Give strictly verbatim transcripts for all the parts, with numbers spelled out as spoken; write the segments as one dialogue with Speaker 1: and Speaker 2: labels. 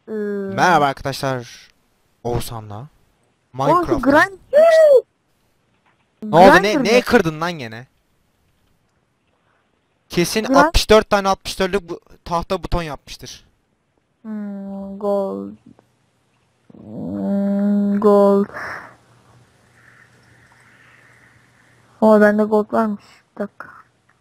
Speaker 1: Ee,
Speaker 2: Merhaba arkadaşlar. Oğuzhan'la
Speaker 1: Oğlum şu
Speaker 2: Minecraft'ta.
Speaker 1: grind...
Speaker 2: Ne oldu?
Speaker 1: Grinder
Speaker 2: Ne
Speaker 1: ne?
Speaker 2: neye kırdın lan gene? Kesin
Speaker 1: Grind...
Speaker 2: altmış dört tane altmış dörtlük bu tahta buton yapmıştır.
Speaker 1: Hmm, gold... Hmm, gold... O bende gold varmış. Bir dakika.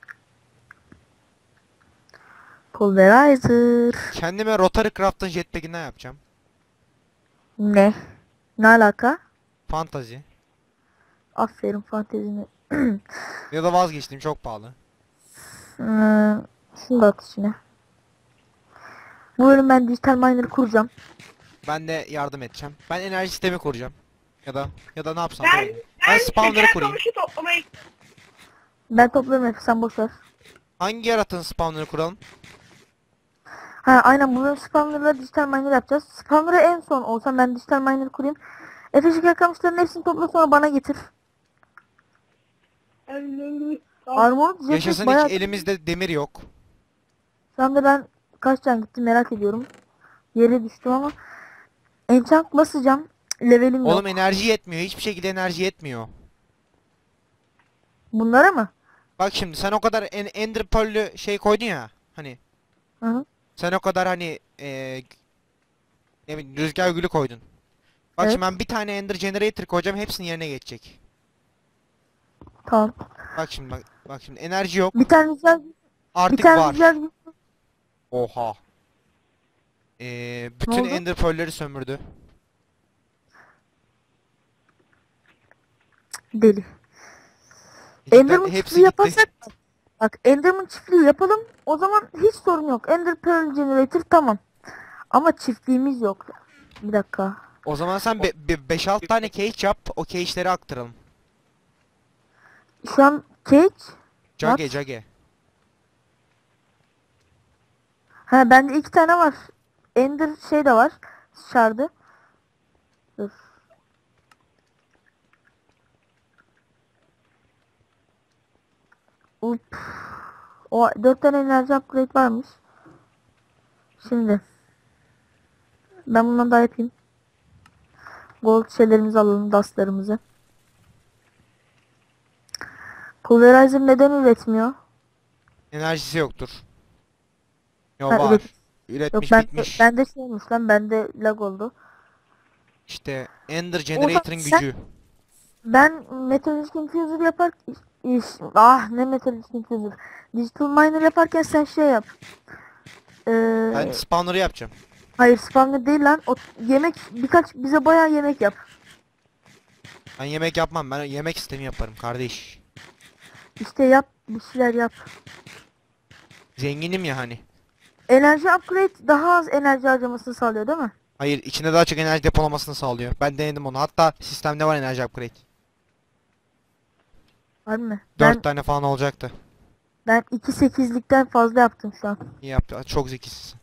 Speaker 1: Pulverizer...
Speaker 2: Kendime Rotary Craft'ın jetpack'inden yapacağım.
Speaker 1: Ne? Ne alaka?
Speaker 2: Fantazi.
Speaker 1: Aferin fantezini.
Speaker 2: Ya da vazgeçtim, çok pahalı.
Speaker 1: Hmm, şunu da at içine. Bu bölüm ben dijital miner kuracağım.
Speaker 2: Ben de yardım edeceğim. Ben enerji sistemi kuracağım. Ya da ya da ne yapsam dur
Speaker 3: Ben
Speaker 2: bakayım. Ben
Speaker 3: ben
Speaker 2: spawner'ı
Speaker 3: şeker
Speaker 2: kurayım.
Speaker 3: kamışı toplamaya
Speaker 1: Ben toplarım hep sen boşver.
Speaker 2: Hangi yaratığın spawner'ı kuralım?
Speaker 1: Ha aynen bunu spawner'la dijital miner yapacağız. Spawner'ı en son olsam ben dijital miner kurayım. Efe şeker kamışlarının hepsini topla sonra bana getir. Armor jetpack
Speaker 2: Yaşasın,
Speaker 1: bayağı...
Speaker 2: hiç elimizde demir yok.
Speaker 1: Şu anda ben kaç can gitti merak ediyorum. Yere düştüm ama. Enchant basacağım. Levelim yok.
Speaker 2: Oğlum enerji yetmiyor. Hiçbir şekilde enerji yetmiyor.
Speaker 1: Bunlara mı?
Speaker 2: Bak şimdi sen o kadar en Ender Pearl'lü şey koydun ya. Hani
Speaker 1: Hı hı.
Speaker 2: sen o kadar hani eee ne bileyim rüzgar gülü koydun. Bak
Speaker 1: Evet.
Speaker 2: şimdi ben bir tane Ender Generator koyacağım, hepsinin yerine geçecek.
Speaker 1: Tamam.
Speaker 2: Bak şimdi bak, bak şimdi enerji yok.
Speaker 1: Bir tane rüzgar, bir
Speaker 2: Artık
Speaker 1: tane
Speaker 2: var.
Speaker 1: rüzgar
Speaker 2: Oha. Eee
Speaker 1: ne
Speaker 2: bütün
Speaker 1: oldu?
Speaker 2: Ender Pearl'leri sömürdü.
Speaker 1: Deli.
Speaker 2: Cidden
Speaker 1: Enderman
Speaker 2: hepsi
Speaker 1: çiftliği
Speaker 2: gitti.
Speaker 1: yaparsak bak Enderman çiftliği yapalım. O zaman hiç sorun yok. Ender Pearl Generator tamam. Ama çiftliğimiz yok. Bir dakika.
Speaker 2: O zaman sen beş altı tane cage yap, o cage'leri aktaralım.
Speaker 1: Şu an cage.
Speaker 2: Cage
Speaker 1: What?
Speaker 2: cage.
Speaker 1: Ha bende iki tane var. Ender şey de var. Şardı. Dur. Up. O dört tane enerji upgrade varmış. Şimdi ben bundan daha yapayım. Gold şeylerimizi alalım, dustlarımızı. Pulverizer neden üretmiyor?
Speaker 2: Enerjisi yoktur. Yo
Speaker 1: Ha,
Speaker 2: var.
Speaker 1: üret. Yok
Speaker 2: Üretmiş
Speaker 1: ben
Speaker 2: bitmiş.
Speaker 1: bende şey olmuş lan bende lag oldu.
Speaker 2: İşte Ender
Speaker 1: Ozan
Speaker 2: Generator'ın
Speaker 1: sen
Speaker 2: gücü.
Speaker 1: ben Metallurgic Infuser yapar iş, ah ne Metallurgic Infuser. Digital Miner yaparken sen şey yap.
Speaker 2: Ben
Speaker 1: Ee,
Speaker 2: spawner'ı yapacağım.
Speaker 1: hayır spawner değil lan. O yemek birkaç bize bayağı yemek yap.
Speaker 2: Ben yemek yapmam. Ben yemek sistemi yaparım kardeş.
Speaker 1: İşte yap bir şeyler yap.
Speaker 2: Zenginim ya hani.
Speaker 1: Enerji upgrade daha az enerji harcamasını sağlıyor değil mi?
Speaker 2: Hayır, içinde daha çok enerji depolamasını sağlıyor. Ben denedim onu. Hatta sistemde var enerji upgrade.
Speaker 1: Var mı?
Speaker 2: Dört
Speaker 1: Ben
Speaker 2: tane falan olacaktı.
Speaker 1: ben iki sekizlikten fazla yaptım şu an.
Speaker 2: İyi yaptı. Çok zekisin.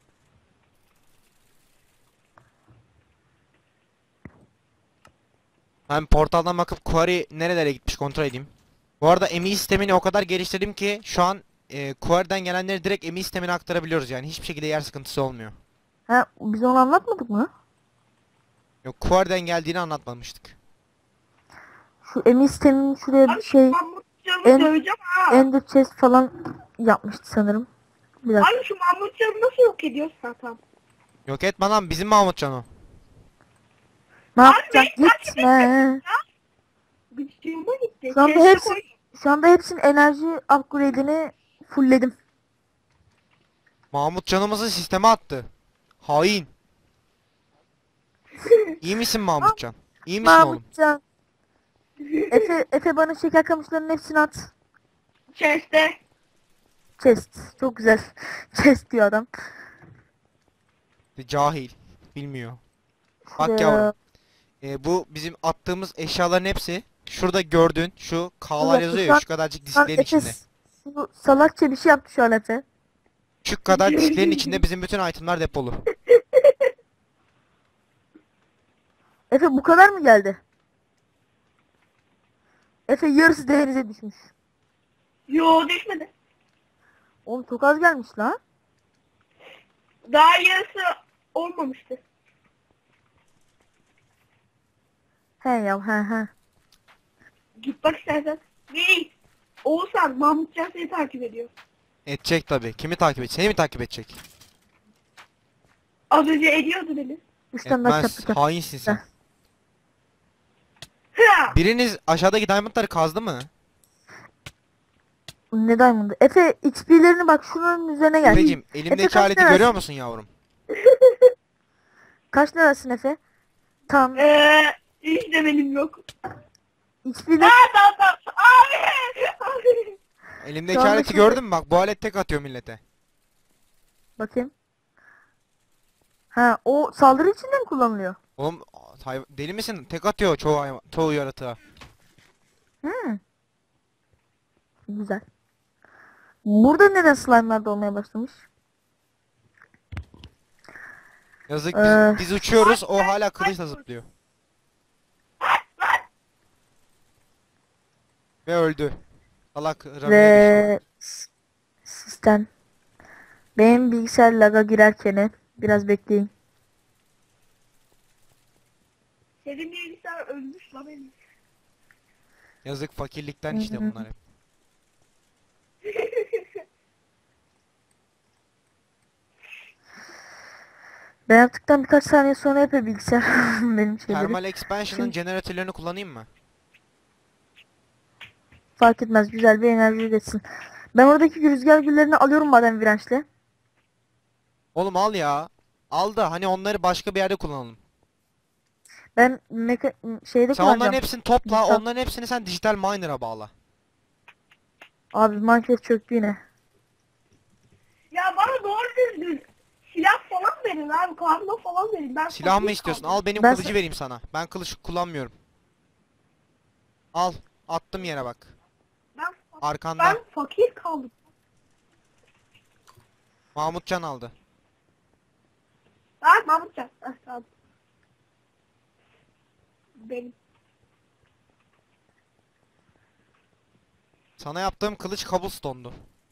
Speaker 2: Ben portaldan bakıp Quarry nerelere gitmiş kontrol edeyim. Bu arada M I sistemini o kadar geliştirdim ki şu an e, Quarry'den gelenleri direkt M I sistemine aktarabiliyoruz, yani hiçbir şekilde yer sıkıntısı olmuyor.
Speaker 1: Ha biz onu anlatmadık mı?
Speaker 2: Yok, Quarry'den geldiğini anlatmamıştık.
Speaker 1: Şu emin sisteminin şuraya bir
Speaker 3: Abi
Speaker 1: şey
Speaker 3: Mahmut canını
Speaker 1: en,
Speaker 3: döveceğim ha.
Speaker 1: Ender chest falan yapmıştı sanırım. Bir dakika.
Speaker 3: Abi şu Mahmut canını nasıl yok ediyorsun zaten?
Speaker 2: Yok etme lan, bizim Mahmutcan o.
Speaker 1: Ne
Speaker 3: Abi
Speaker 1: yapacak?
Speaker 3: benim kaç
Speaker 1: Gitme.
Speaker 3: Gıcığıma gitti.
Speaker 1: Şu anda
Speaker 3: Keşke
Speaker 1: hepsi
Speaker 3: koy.
Speaker 1: şu anda hepsinin enerji upgrade'ini fullledim.
Speaker 2: Mahmut canımızı sisteme attı. Hain. İyi misin Mahmutcan? İyi misin oğlum?
Speaker 1: Mahmutcan. Efe, Efe bana şeker kamışlarının hepsini at.
Speaker 3: Chest'te.
Speaker 1: Chest. Çok güzel. Chest diyor adam.
Speaker 2: Cahil. Bilmiyor. Bak
Speaker 1: Şuraya-
Speaker 2: yavrum. E, bu bizim attığımız eşyaların hepsi şurada gördüğün şu K'lar
Speaker 1: Bir
Speaker 2: yazıyor
Speaker 1: dakika,
Speaker 2: ya, şu kadarcık
Speaker 1: Şu an
Speaker 2: disklerin
Speaker 1: Efe
Speaker 2: içinde.
Speaker 1: şu salakça bir şey yaptı şu an Efe.
Speaker 2: Şu kadar disklerin içinde bizim bütün itemler depolu.
Speaker 1: Efe bu kadar mı geldi? Efe yarısı denize düşmüş.
Speaker 3: Yo düşmedi.
Speaker 1: Oğlum çok az gelmiş lan.
Speaker 3: Daha yarısı olmamıştı.
Speaker 1: He ya he he.
Speaker 3: Git bak istersen. Hey! Oğuzhan, Mahmutcan seni takip ediyor.
Speaker 2: Edecek tabi. Kimi takip edecek? Seni mi takip edecek?
Speaker 3: Az önce ediyordu beni.
Speaker 1: Üç tane daha
Speaker 2: Etmez.
Speaker 1: çaplık yap.
Speaker 2: Hainsin sen.
Speaker 3: Ha!
Speaker 2: Biriniz aşağıdaki diamondları kazdı mı?
Speaker 1: Ne diamond'ı? Efe X P'lerini bak şunun üzerine gel.
Speaker 2: Efeciğim
Speaker 1: Efe
Speaker 2: elimdeki
Speaker 1: kaç
Speaker 2: aleti
Speaker 1: lirasın?
Speaker 2: görüyor musun yavrum?
Speaker 1: Kaç lirasın Efe? Tamam.
Speaker 3: Eee hiç de benim yok.
Speaker 1: X P'ler
Speaker 3: Ha tamam tamam. Abi! Abi!
Speaker 2: Elimdeki
Speaker 1: anda
Speaker 2: aleti
Speaker 1: şimdi-
Speaker 2: gördün mü? Bak bu alet tek atıyor millete.
Speaker 1: bakayım. Ha o saldırı için de mi kullanılıyor?
Speaker 2: Oğlum hay- deli misin? Tek atıyor çoğu hayvan, çoğu yaratığa.
Speaker 1: Hmm. Güzel. Burada neden slime'lar dolmaya başlamış?
Speaker 2: Yazık
Speaker 1: Ee.
Speaker 2: biz, biz uçuyoruz o hala kılıçla zıplıyor. Ve öldü. Salak Rami'ye düştü.
Speaker 1: Ve s- sistem. Benim bilgisayar laga girerken biraz bekleyin.
Speaker 3: Senin bilgisayar ölmüş lan benim.
Speaker 2: Yazık fakirlikten işte
Speaker 1: Hı hı.
Speaker 2: bunlar hep.
Speaker 1: Ben yaptıktan birkaç saniye sonra yapıyor bilgisayar benim şeyleri.
Speaker 2: Thermal Expansion'ın
Speaker 1: Şimdi-
Speaker 2: jeneratörlerini kullanayım mı?
Speaker 1: Fark etmez, güzel bir enerji üretsin. Ben oradaki rüzgar güllerini alıyorum maden virençle.
Speaker 2: Oğlum al ya. Al da hani onları başka bir yerde kullanalım.
Speaker 1: Ben meka şeyde
Speaker 2: Sen onların
Speaker 1: kullanacağım.
Speaker 2: hepsini topla,
Speaker 1: Dijital-
Speaker 2: onların hepsini sen dijital miner'a bağla.
Speaker 1: Abi Minecraft çöktü yine.
Speaker 3: Ya bana doğru düzgün silah falan verin abi. Kazma falan verin. Ben
Speaker 2: Silah mı
Speaker 3: fakir
Speaker 2: istiyorsun?
Speaker 3: kaldım.
Speaker 2: Al benim
Speaker 1: Ben
Speaker 2: kılıcı
Speaker 1: sa-
Speaker 2: vereyim sana. Ben kılıç kullanmıyorum. Al. Attım yere bak.
Speaker 3: Ben,
Speaker 2: Arkanda.
Speaker 3: ben fakir kaldım.
Speaker 2: Mahmutcan aldı.
Speaker 3: Ha Mahmutcan. Heh, tamam. Benim.
Speaker 2: Sana yaptığım kılıç cobblestone'du.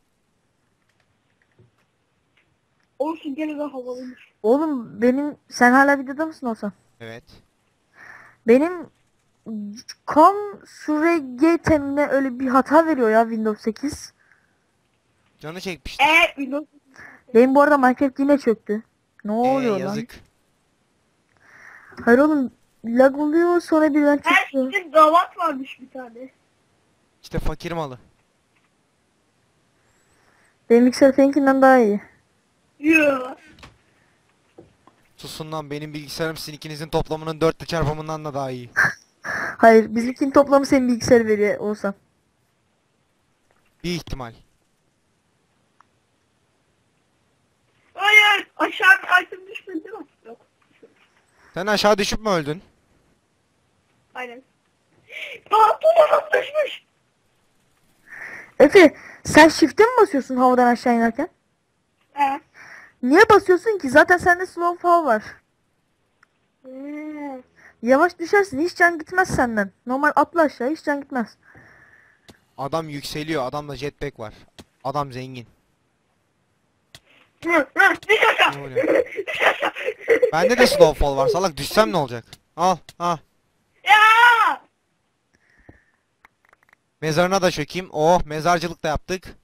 Speaker 3: Olsun gene de havalıymış.
Speaker 1: Oğlum benim, sen hala videoda mısın olsan?
Speaker 2: Evet.
Speaker 1: Benim Consurregate'imde öyle bir hata veriyor ya Windows sekiz.
Speaker 2: Canı çekmişti.
Speaker 3: Eee Windows.
Speaker 1: Benim bu arada Minecraft yine çöktü. Ne
Speaker 2: Ee,
Speaker 1: oluyor lan?
Speaker 2: yazık.
Speaker 1: Hayır oğlum, lag oluyor sonra birden
Speaker 3: Her
Speaker 1: çıkıyor.
Speaker 3: işte gavat varmış bir tane.
Speaker 2: İşte fakir malı.
Speaker 1: Benim bilgisayar seninkinden daha iyi.
Speaker 3: Yoo.
Speaker 2: Susun lan, benim bilgisayarım sizin ikinizin toplamının dörtte çarpımından da daha iyi.
Speaker 1: Hayır, bizimkinin toplamı senin bilgisayar veriyor olsan.
Speaker 2: Bir ihtimal.
Speaker 3: Hayır. Aşağı bir item düşmedi değil mi? Yok.
Speaker 2: Sen aşağı düşüp mü öldün?
Speaker 3: Aynen. Pantolonum düşmüş.
Speaker 1: Efe, sen shift'e mi basıyorsun havadan aşağı inerken?
Speaker 3: He.
Speaker 1: Niye basıyorsun ki? Zaten sende slow fall var.
Speaker 3: Hmm.
Speaker 1: Yavaş düşersin, hiç can gitmez senden. Normal atla aşağı, hiç can gitmez.
Speaker 2: Adam yükseliyor. Adamda jetpack var. Adam zengin.
Speaker 3: Hı, hı, düş aşağı.
Speaker 2: Ne oluyor?
Speaker 3: Düş aşağı.
Speaker 2: Bende de snowfall var. Salak düşsem ne olacak? Al. Ha.
Speaker 3: Ya!
Speaker 2: Mezarına da çökeyim. Oh, mezarcılık da yaptık.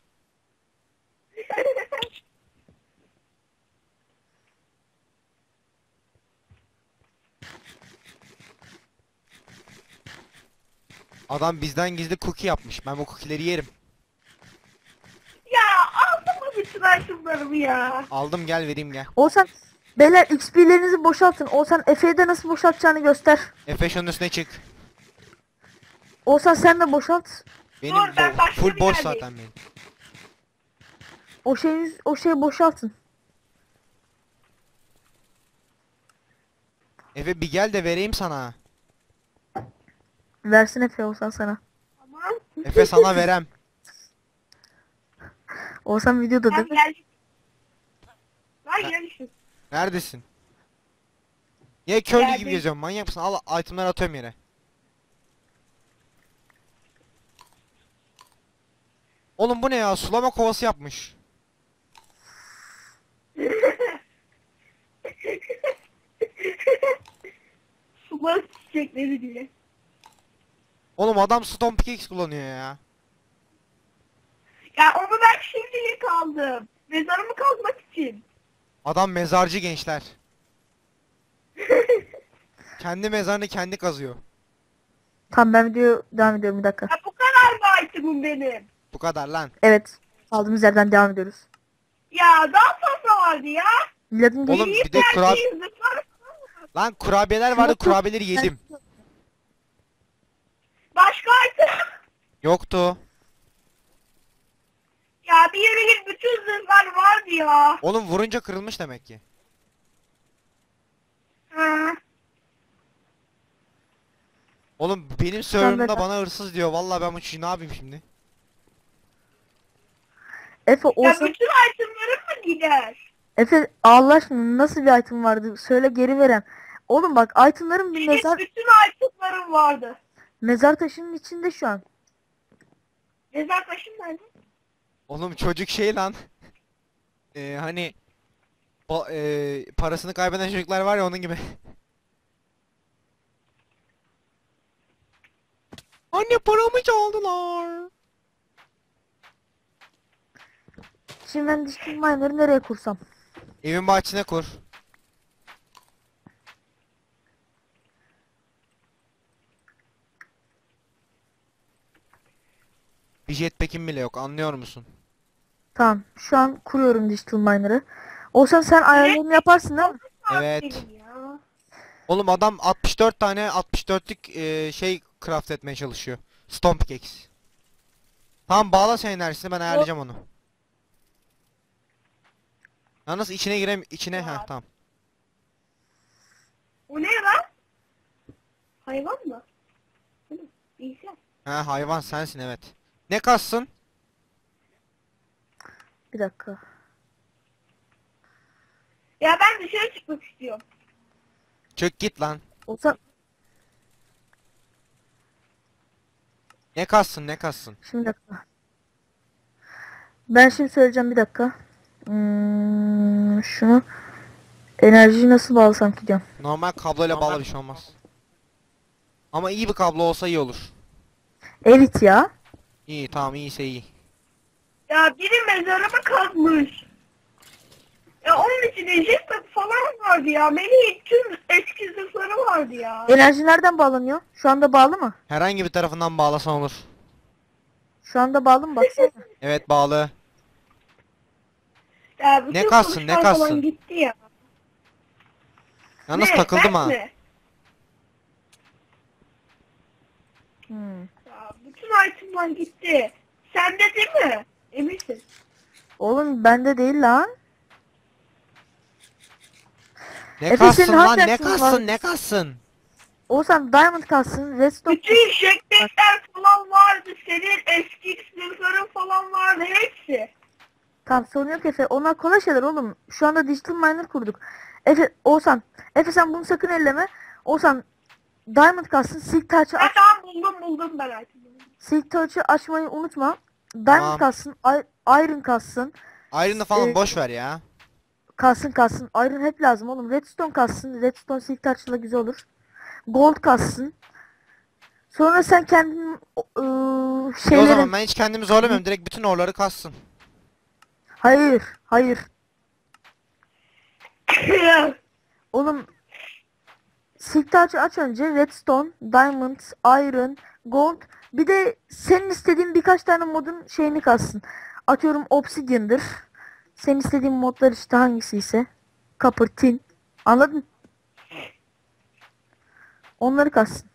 Speaker 2: Adam bizden gizli cookie yapmış. Ben bu cookie'leri yerim.
Speaker 3: Ya aldın mı bütün itemlarımı ya?
Speaker 2: Aldım, gel vereyim gel.
Speaker 1: Olsan, beyler X P'lerinizi boşaltın. Olsan Efe'ye de nasıl boşaltacağını göster.
Speaker 2: Efe şunun üstüne çık.
Speaker 1: Olsan sen de boşalt.
Speaker 2: Benim
Speaker 3: Dur, ben
Speaker 2: bo-
Speaker 3: başka
Speaker 2: full
Speaker 3: bir
Speaker 2: boş
Speaker 3: yerdeyim.
Speaker 2: zaten benim.
Speaker 1: O şeyi, o şeyi boşaltın.
Speaker 2: Efe bir gel de vereyim sana.
Speaker 1: Versin Efe olsan sana.
Speaker 3: Tamam.
Speaker 2: Efe sana verem.
Speaker 1: Olsan videoda değil
Speaker 3: Ben
Speaker 1: mi?
Speaker 3: geldim. Lan gelmişim.
Speaker 2: Neredesin? Niye köylü gibi
Speaker 3: Geldim.
Speaker 2: geziyorsun? Manyak mısın? Al, itemleri atıyorum yere. Oğlum bu ne ya? Sulama kovası yapmış.
Speaker 3: Sular çiçekleri diye.
Speaker 2: Oğlum adam stone pickaxe kullanıyor ya.
Speaker 3: Ya onu ben şimdilik aldım. Mezarımı kazmak için.
Speaker 2: Adam mezarcı gençler. Kendi mezarını kendi kazıyor.
Speaker 1: Tamam ben video devam ediyorum bir dakika.
Speaker 3: Ya bu kadar mı itemim benim?
Speaker 2: Bu kadar lan.
Speaker 1: Evet. Kaldığımız yerden devam ediyoruz.
Speaker 3: Ya daha fazla vardı ya.
Speaker 1: Miladın
Speaker 2: Oğlum
Speaker 1: gel-
Speaker 2: bir de kurab
Speaker 3: Verdiğin zıplar.
Speaker 2: lan kurabiyeler vardı, kurabiyeleri yedim.
Speaker 3: Başka item.
Speaker 2: Yoktu.
Speaker 3: Ya bir yere git, bütün zırhlar vardı ya.
Speaker 2: Oğlum vurunca kırılmış demek ki.
Speaker 3: Ha.
Speaker 2: Oğlum benim
Speaker 1: ben-
Speaker 2: serverımda bana hırsız diyor. Vallahi ben bu çocuğu ne yapayım şimdi?
Speaker 1: Efe
Speaker 3: Ya
Speaker 1: olsa
Speaker 3: bütün itemlerim mi gider?
Speaker 1: Efe Allah aşkına nasıl bir item vardı? Söyle geri verem. Oğlum bak itemların bir
Speaker 3: Benim
Speaker 1: mezar
Speaker 3: bütün itemlerim vardı.
Speaker 1: mezar taşının içinde şu an.
Speaker 3: Mezar taşım nerede?
Speaker 2: Oğlum çocuk şey lan. Ee, hani ba- ee, parasını kaybeden çocuklar var ya, onun gibi. Anne paramı çaldılar.
Speaker 1: Şimdi ben Digital Miner'ı nereye kursam?
Speaker 2: Evin bahçesine kur. Bir jetpack'im bile yok, anlıyor musun?
Speaker 1: Tamam şu an kuruyorum Digital Miner'ı. Olsan sen ayarlarını yaparsın değil mi?
Speaker 2: Evet.
Speaker 3: Benim ya.
Speaker 2: Oğlum adam altmış dört tane altmış dörtlük ee, şey craft etmeye çalışıyor. Stone pickaxe. Tamam bağla sen enerjisini, ben ayarlayacağım onu. Yalnız içine girem içine ha tamam.
Speaker 3: O ne lan? Hayvan mı? Hı, İnsan.
Speaker 2: Ha hayvan sensin, evet. Ne kassın?
Speaker 1: Bir dakika.
Speaker 3: Ya ben dışarı çıkmak istiyorum.
Speaker 2: Çök git lan.
Speaker 1: Olsan
Speaker 2: Ne kassın ne kassın?
Speaker 1: şimdi bir dakika. Ben şimdi söyleyeceğim bir dakika. Hmm, şunu enerjiyi nasıl bağlasam ki diyorum.
Speaker 2: Normal kabloyla bağla, bir şey olmaz. Ama iyi bir kablo olsa iyi olur.
Speaker 1: Evet ya.
Speaker 2: İyi tamam, iyiyse iyi.
Speaker 3: Ya biri mezarımı kazmış. Ya onun içinde jetpack falan vardı ya. Melih'in tüm eski zırhları vardı ya.
Speaker 1: Enerji nereden bağlanıyor? Şu anda bağlı mı?
Speaker 2: Herhangi bir tarafından bağlasan olur.
Speaker 1: Şu anda bağlı mı baksana.
Speaker 2: Evet bağlı.
Speaker 3: Ya bütün
Speaker 2: Ne kalsın, ne
Speaker 3: kılıçlar falan
Speaker 2: kalsın?
Speaker 3: gitti ya.
Speaker 2: Yalnız
Speaker 3: Ne,
Speaker 2: takıldım
Speaker 3: ben
Speaker 2: ha.
Speaker 3: mi?
Speaker 1: Hmm.
Speaker 3: Ya bütün itemler gitti. Sende değil mi? Eminsin.
Speaker 1: Oğlum bende değil lan.
Speaker 2: Ne
Speaker 1: Efe,
Speaker 2: kassın
Speaker 1: senin
Speaker 2: lan,
Speaker 1: hangi
Speaker 2: ne
Speaker 1: aklın var?
Speaker 2: kassın ne kassın?
Speaker 1: Olsan Diamond kalsın. Redstone
Speaker 3: Bütün jetpackler falan vardı. Senin eski zırhların falan vardı. Hepsi.
Speaker 1: Tamam sorun yok Efe. Onlar kolay şeyler oğlum. Şu anda Digital Miner kurduk. Efe, Oğuzhan. Efe sen bunu sakın elleme. Oğuzhan Diamond kalsın. Silk Touch'ı
Speaker 3: Ha
Speaker 1: aç.
Speaker 3: tamam, buldum buldum ben itemleri.
Speaker 1: Silk Touch'ı açmayı unutma. Diamond
Speaker 2: Tamam.
Speaker 1: kalsın. I- Iron kalsın.
Speaker 2: Ayrını falan
Speaker 1: Ee,
Speaker 2: boş ver ya.
Speaker 1: Kalsın kalsın. Iron hep lazım oğlum. Redstone kalsın. Redstone Silk Touch'la güzel olur. Gold kalsın. Sonra sen kendin ıı,
Speaker 2: İyi o
Speaker 1: şeylerin...
Speaker 2: zaman ben hiç kendimi zorlamıyorum. Direkt bütün orları kassın.
Speaker 1: Hayır. Hayır. Oğlum Silk Touch'ı aç önce. Redstone, Diamond, Iron, Gold. Bir de senin istediğin birkaç tane modun şeyini kalsın. Atıyorum Obsidian'dır. Senin istediğin modlar işte hangisi ise. Copper, Tin. Anladın? Onları kalsın.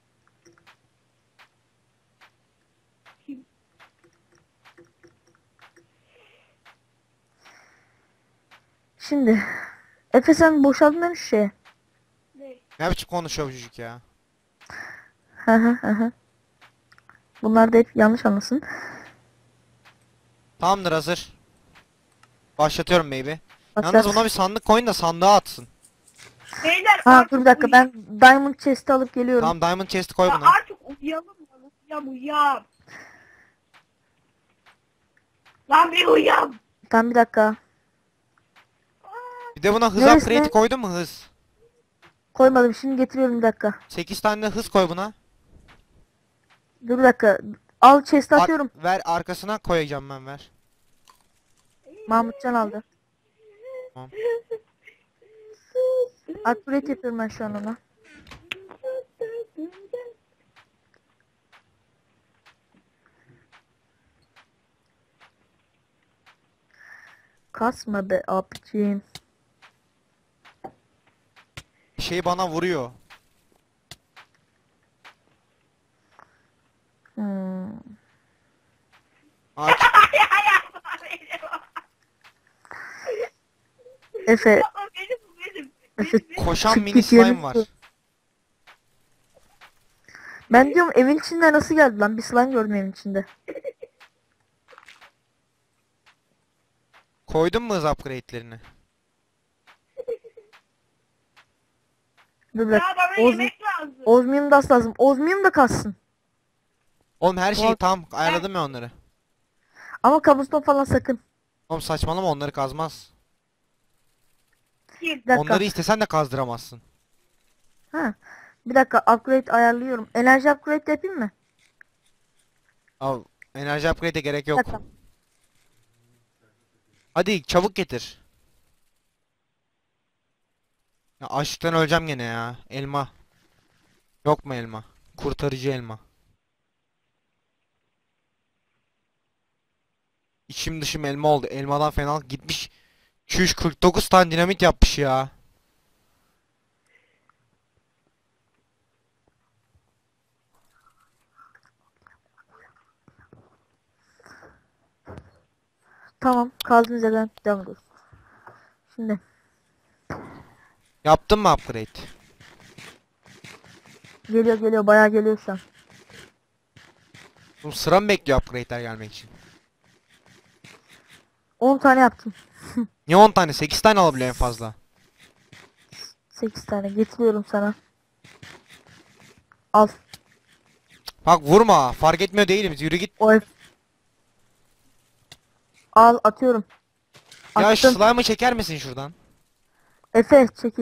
Speaker 1: Şimdi Efe sen boşaldın değil mi şu şeye?
Speaker 3: Ne?
Speaker 2: Ne biçim konuşuyor bu çocuk ya?
Speaker 1: Hı hı hı hı. Bunlar da hep yanlış anlasın.
Speaker 2: Tamamdır, hazır. Başlatıyorum baby.
Speaker 1: Başlat.
Speaker 2: Yalnız buna bir sandık koyun da sandığa atsın.
Speaker 3: Beyler
Speaker 1: Ha
Speaker 3: artık
Speaker 1: dur bir dakika
Speaker 3: uy-
Speaker 1: ben Diamond Chest'i alıp geliyorum.
Speaker 2: Tamam Diamond Chest'i koy
Speaker 3: Ya
Speaker 2: buna.
Speaker 3: artık uyuyalım lan. Uyuyam uyuyam. Lan bir uyuyam.
Speaker 1: Tamam bir dakika.
Speaker 3: Aa,
Speaker 2: Bir de buna hız
Speaker 1: Neresine?
Speaker 2: upgrade'i koydun mu, hız?
Speaker 1: Koymadım, şimdi getiriyorum bir dakika.
Speaker 2: sekiz tane de hız koy buna.
Speaker 1: Dur bir dakika. Al chest'i
Speaker 2: Ar-
Speaker 1: atıyorum.
Speaker 2: ver arkasına koyacağım ben, ver.
Speaker 1: Mahmutcan aldı.
Speaker 2: Tamam.
Speaker 1: Upgrade yapıyorum ben şu an ona. Kasma be abicim.
Speaker 2: Şey bana vuruyor.
Speaker 1: Hmm.
Speaker 2: Aç.
Speaker 1: Efe,
Speaker 3: O benim, bu benim.
Speaker 1: Efe
Speaker 2: Koşan
Speaker 1: çık
Speaker 2: mini
Speaker 1: git
Speaker 2: slime
Speaker 1: yerini
Speaker 2: var.
Speaker 1: tut. Ben diyorum evin içinde nasıl geldi lan? Bir slime gördüm evin içinde.
Speaker 2: Koydun mu hız upgrade'lerini?
Speaker 1: Dur bir
Speaker 3: Ya
Speaker 1: dakika.
Speaker 3: bana
Speaker 1: Oz,
Speaker 3: yemek lazım.
Speaker 1: Ozmium da lazım. Ozmium da kassın.
Speaker 2: Oğlum her şeyi
Speaker 1: Bak.
Speaker 2: tam ayarladım ya onları.
Speaker 1: Ama kabuston falan sakın.
Speaker 2: Oğlum saçmalama, onları kazmaz.
Speaker 3: Kim?
Speaker 1: Bir dakika.
Speaker 2: Onları istesen de kazdıramazsın.
Speaker 1: Ha. Bir dakika upgrade ayarlıyorum. Enerji upgrade de yapayım mı?
Speaker 2: Al, enerji upgrade'e gerek
Speaker 1: Bir
Speaker 2: yok.
Speaker 1: dakika.
Speaker 2: Hadi çabuk getir. Ya açlıktan öleceğim gene ya. Elma. Yok mu elma? Kurtarıcı elma. İçim dışım elma oldu. Elmadan fena gitmiş. iki yüz kırk dokuz tane dinamit yapmış ya.
Speaker 1: Tamam. Kaldığınız yerden devam ediyoruz. Şimdi.
Speaker 2: Yaptın mı upgrade?
Speaker 1: Geliyor geliyor. Bayağı geliyor şu an.
Speaker 2: Oğlum sıra mı bekliyor upgrade'ler gelmek için?
Speaker 1: on tane yaptım.
Speaker 2: Niye on tane? sekiz tane alabiliyor en fazla.
Speaker 1: sekiz tane. Getiriyorum sana. Al.
Speaker 2: Bak vurma. Fark etmiyor değilim. Yürü git.
Speaker 1: O F. Al atıyorum.
Speaker 2: Ya şu
Speaker 1: Attım.
Speaker 2: slime'ı çeker misin şuradan?
Speaker 1: Efe çekil.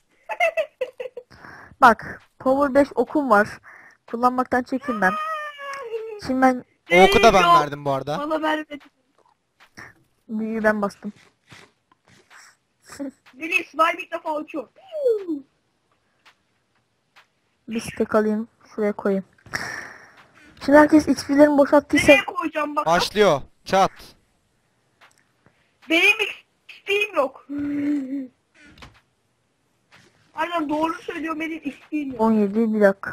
Speaker 1: Bak. Power beş okum var. Kullanmaktan çekinmem. Şimdi ben
Speaker 2: O oku da ben
Speaker 3: Yok,
Speaker 2: verdim bu arada.
Speaker 3: bana vermedi.
Speaker 1: büyüğü ben bastım.
Speaker 3: Beni slime ilk defa uçuyor.
Speaker 1: Bir stack alayım. Şuraya koyayım. Şimdi herkes X P'lerini boşalttıysa
Speaker 3: Nereye koyacağım bak.
Speaker 2: Başlıyor. Çat.
Speaker 3: Benim X P'm yok. Aynen doğru söylüyor, benim X P'm yok.
Speaker 1: on yedi bir dakika.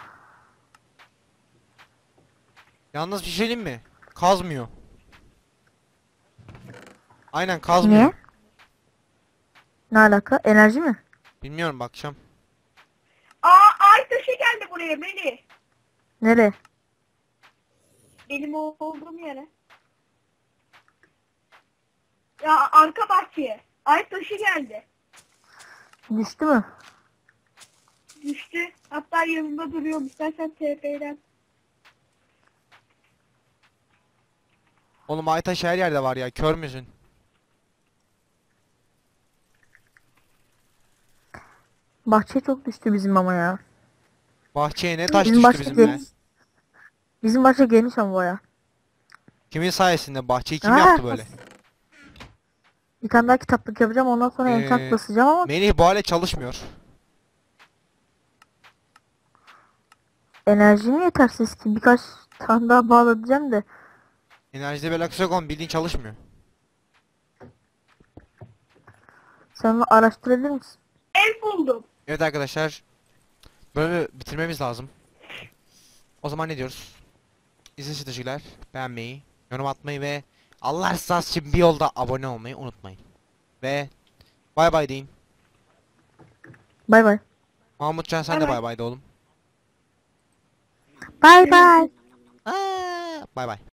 Speaker 2: Yalnız bir şey söyleyeyim mi? Kazmıyor. Aynen kazmıyor.
Speaker 1: Niye? Ne alaka? Enerji mi?
Speaker 2: Bilmiyorum, bakacağım.
Speaker 3: Aa, ay taşı geldi buraya Melih.
Speaker 1: Nereye?
Speaker 3: Benim o- olduğum yere. Ya arka bahçeye. Ay taşı geldi.
Speaker 1: Düştü mü?
Speaker 3: Düştü. Hatta yanımda duruyorum. İstersen T P'den.
Speaker 2: Oğlum Aytaş her yerde var ya. Kör müsün?
Speaker 1: Bahçe çok düştü bizim ama ya.
Speaker 2: Bahçeye ne taş
Speaker 1: Bizim
Speaker 2: düştü
Speaker 1: bahçe
Speaker 2: bizimle?
Speaker 1: geniş. Bizim bahçe geniş ama baya.
Speaker 2: Kimin sayesinde? Bahçeyi kim
Speaker 1: Aa!
Speaker 2: yaptı böyle?
Speaker 1: Bir tane daha kitaplık yapacağım, ondan sonra
Speaker 2: Ee,
Speaker 1: enchant basacağım ama
Speaker 2: Melih bu hale çalışmıyor.
Speaker 1: enerjim yetersiz ki, birkaç tane daha bağlayacağım da.
Speaker 2: Enerjide bir alakası yok oğlum, bildiğin çalışmıyor.
Speaker 1: Sen onu araştırabilir misin?
Speaker 3: El buldum.
Speaker 2: Evet arkadaşlar. Bölümü bitirmemiz lazım. O zaman ne diyoruz? İzlediğiniz için teşekkürler. Beğenmeyi, yorum atmayı ve Allah rızası için bir yolda abone olmayı unutmayın. Ve bay bay deyin.
Speaker 1: Bay bay.
Speaker 2: Mahmutcan sen
Speaker 3: Bay
Speaker 2: de
Speaker 3: bay.
Speaker 2: bay bay de oğlum.
Speaker 1: Bay bay.
Speaker 2: Aa, bay bay.